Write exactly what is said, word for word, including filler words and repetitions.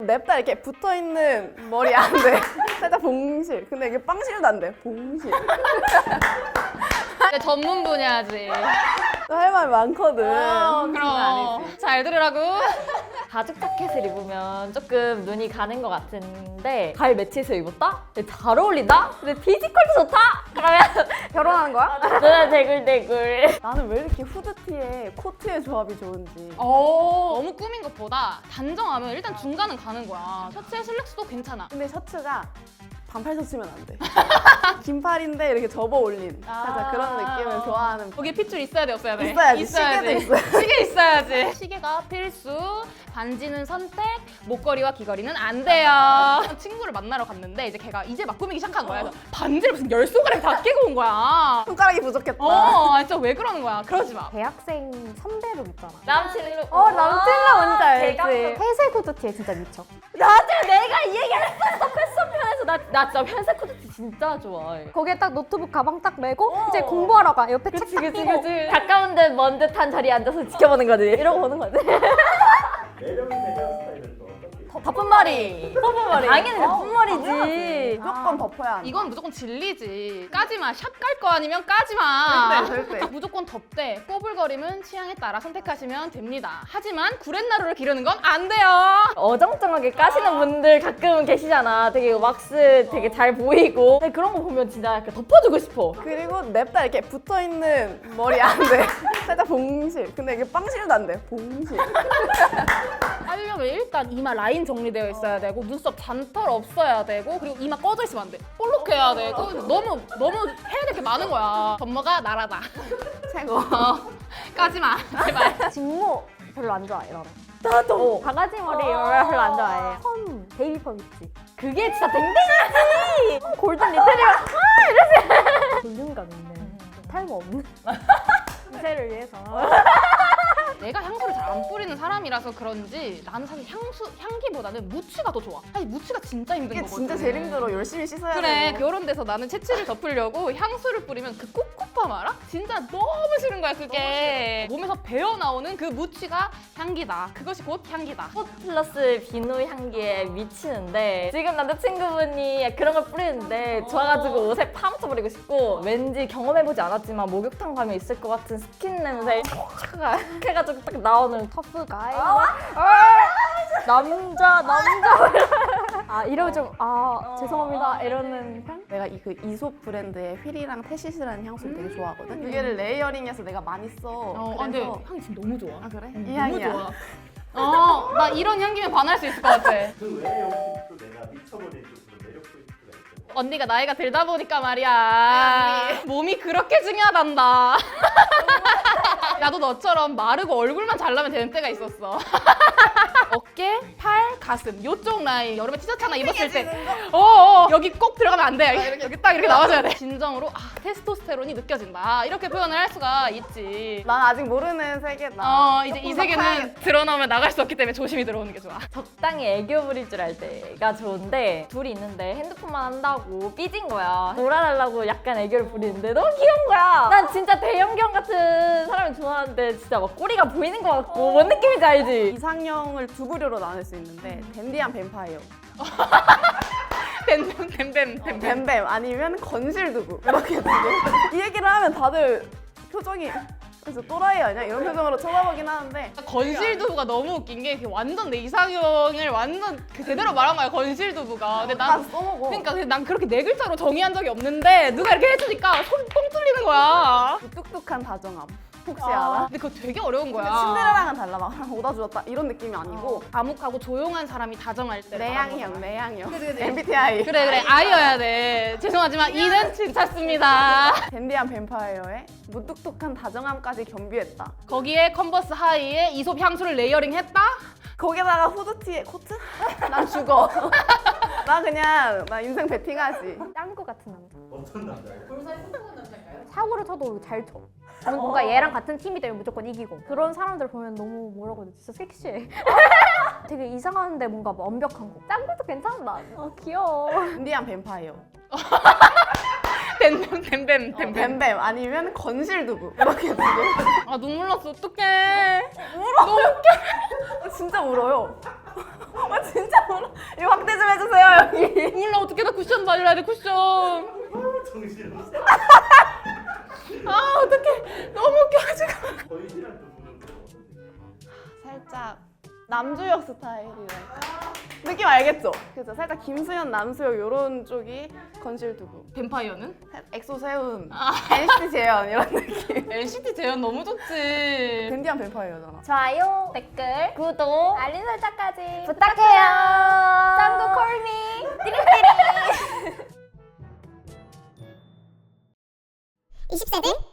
냅다 이렇게 붙어있는 머리 안 돼. 살짝 봉실. 근데 이게 빵실도 안 돼. 봉실. 내 전문 분야지. 할 말 많거든. 어, 아니지. 그럼 잘 들으라고. 가죽 자켓을 입으면 조금 눈이 가는 것 같은데 가을 매치에서 입었다? 근데 잘 어울린다? 근데 피지컬도 좋다? 그러면 결혼하는 거야? 눈에 대굴대굴. 나는 왜 이렇게 후드티에 코트의 조합이 좋은지. 어, 너무 꾸민 것보다 단정하면 일단 중간은 가는 거야. 셔츠에 슬랙스도 괜찮아. 근데 셔츠가 반팔 셔츠면 안 돼. 긴팔인데 이렇게 접어 올린 살짝 그런 느낌을 좋아하는. 거기에 핏줄 있어야 돼, 없어야 돼? 있어야지. 시계도 있어야 시계 있어야지. 시계가 필수. 반지는 선택. 목걸이와 귀걸이는 안 돼요. 친구를 만나러 갔는데 이제 걔가 이제 막 꾸미기 시작한 거야. 그래서 반지를 무슨 열 손가락이 다 끼고 온 거야. 손가락이 부족했다. 어, 진짜 왜 그러는 거야? 그러지 마. 대학생 선배룩 있잖아. 남친으로. 어, 남친라 뭔지 알지? 대감성. 회색 후드티에 진짜 미쳐. 나도 내가 이 얘기를 했었어. 패션 편에서 나, 나 진짜 회색 코트 진짜 좋아해. 거기에 딱 노트북 가방 딱 메고 이제 공부하러 가. 옆에 책 딱 그치 끼고. 그치. 가까운 듯 먼 듯한 자리에 앉아서 지켜보는 거지. 이러고 보는 거지. 매력 있는 헤어스타일은 또 어떻게? 덮은 머리. 덮은 머리. 당연히 덮은 머리지. 당연하지. 무조건 덮어야 한다. 이건 무조건 진리지. 까지 마. 샵 갈 거 아니면 까지 마. 절대, 절대. 무조건 덮대. 꼬불거림은 취향에 따라 선택하시면 됩니다. 하지만 구렛나루를 기르는 건 안 돼요. 어정쩡하게 까시는 분들 가끔 계시잖아. 되게 왁스 되게 잘 보이고. 근데 그런 거 보면 진짜 약간 덮어주고 싶어. 그리고 냅다 이렇게 붙어있는 머리 안 돼. 살짝 봉실. 근데 이게 빵실도 안 돼. 봉실. 하려면 일단 이마 라인 정리되어 있어야 되고 눈썹 잔털 없어야 되고 그리고 이마 꺼져 있으면 안 돼. 볼록해야 되고 너무 너무 해야 될 게 많은 거야. 덤머가 나라다. 최고. 어, 까지 마. 제발. 직모 별로 안 좋아해, 나는. 나도. 바가지 머리 별로 안 좋아해. 펌, 베이비 펌 있지. 그게 진짜 댕댕이지. 골든 리트리버. 볼륨감 있는, 탈모 없는. 미세를 위해서. 내가 향수를 잘 안 뿌리는 사람이라서 그런지 나는 사실 향수 향기보다는 무치가 더 좋아. 사실 무치가 진짜 힘든 이게 거거든. 진짜 제일 힘들어. 열심히 씻어야 그래, 되고. 이런 데서 나는 채취를 덮으려고 향수를 뿌리면 그 꿉꿉함 알아? 진짜 너무 싫은 거야 그게. 몸에서 배어 나오는 그 무치가 향기다. 그것이 곧 향기다. 꽃 플러스 비누 향기에 미치는데 지금 남자친구분이 그런 걸 뿌리는데 좋아가지고 옷에 파묻혀버리고 싶고 왠지 경험해보지 않았지만 목욕탕 가면 있을 것 같은 스킨 냄새 촥 해가지고 딱 나오는 터프가이. 남자, 남자. 아, 이러면 좀, 아, 죄송합니다. 이러는 편? 내가 이 그 이솝 브랜드의 휠이랑 태시스라는 향수를 되게 좋아하거든. 두 개를 레이어링해서 내가 많이 써. 어, 그래서 근데 향이 지금 너무 좋아. 아 그래? 이 너무 향이야. 좋아. 어, 나 이런 향기면 반할 수 있을 것 같아. 그 외에 혹시 또 내가 미쳐버린 또 그런 매력 포인트가 있고. 언니가 나이가 들다 보니까 말이야. 몸이 그렇게 중요하단다. 나도 너처럼 마르고 얼굴만 잘나면 되는 때가 있었어. 어깨, 팔, 가슴 요쪽 라인 여름에 티셔츠 하나 입었을 때 어어 여기 꼭 들어가면 안 돼. 여기, 여기 딱 이렇게 나와줘야 돼. 진정으로 아 테스토스테론이 느껴진다. 이렇게 표현을 할 수가 있지. 난 아직 모르는 세계다. 어 이제 이 조금 더 세계는 파야겠다. 드러나면 나갈 수 없기 때문에 조심히 들어오는 게 좋아. 적당히 애교 부릴 줄 알 때가 좋은데 둘이 있는데 핸드폰만 한다고 삐진 거야. 놀아달라고 약간 애교를 부리는데 너무 귀여운 거야. 난 진짜 대형견 같은 사람을 좋아하는데 진짜 막 꼬리가 보이는 것 같고 뭔 느낌인지 알지? 이상형을 두 부류로 나눌 수 있는데 댄디한 뱀파이어, 댐댐댐댐댐. 뱀뱀 아니면 건실두부 이렇게 두 개. 이 얘기를 하면 다들 표정이 그래서 또라이 아니야? 이런 표정으로 쳐다보긴 하는데 건실두부가 너무 웃긴 게 완전 내 이상형을 완전 그 제대로 말한 거야 건실두부가. 근데 다 난 써먹어. 그러니까 근데 난 그렇게 네 글자로 정의한 적이 없는데 누가 이렇게 해주니까 손 뻥 뚫리는 거야. 그 뚝뚝한 다정함 혹시 알아? 근데 그거 되게 어려운 거야. 신데렐라랑은 달라. 막 오다 주었다 이런 느낌이 아니고 암묵하고 조용한 사람이 다정할 때 내향형, 내향형. 엠비티아이. 그래 그래 아이여야 돼. 죄송하지만 이는 괜찮습니다. 댄디한 뱀파이어의 무뚝뚝한 다정함까지 겸비했다. 거기에 컨버스 하이에 이솝 향수를 레이어링했다? 거기다가 후드티에 코트? 난 죽어. 나 그냥 나 인생 베팅하지. 짱구 같은 남자. 어떤 남자예요? 사고를 쳐도 잘 쳐. 뭔가 얘랑 같은 팀이 되면 무조건 이기고. 그런 사람들 보면 너무 뭐라고 해야 되지? 진짜 섹시해. 되게 이상한데 뭔가 완벽한 거. 짱구도 괜찮다. 어, 귀여워. 댄디한 뱀파이어. 댐댐댐댐 댐댐. 뱀뱀 아니면 건실두부. 이렇게 두 개. 아 눈물 났어 어떡해. 어, 진짜 울어요. 아 진짜 울어. 몰라 어떻게 나 쿠션 발라야 돼 쿠션. 정신없어. 아 어떡해 너무 웃겨가지고. 거인이랑 또 보는 거 어떠세요? 살짝 남주혁 스타일이랄까. 느낌 알겠죠? 그래서 살짝 김수현, 남수혁 이런 쪽이 건실 두고 뱀파이어는? 엑소 세운, 엔시티 재현 이런 느낌. 엔시티 재현 너무 좋지. 댄디한 뱀파이어잖아. 좋아요, 댓글, 구독, 알림 설정까지 부탁해요. 짱구 콜미 띠리띠리 이십 세들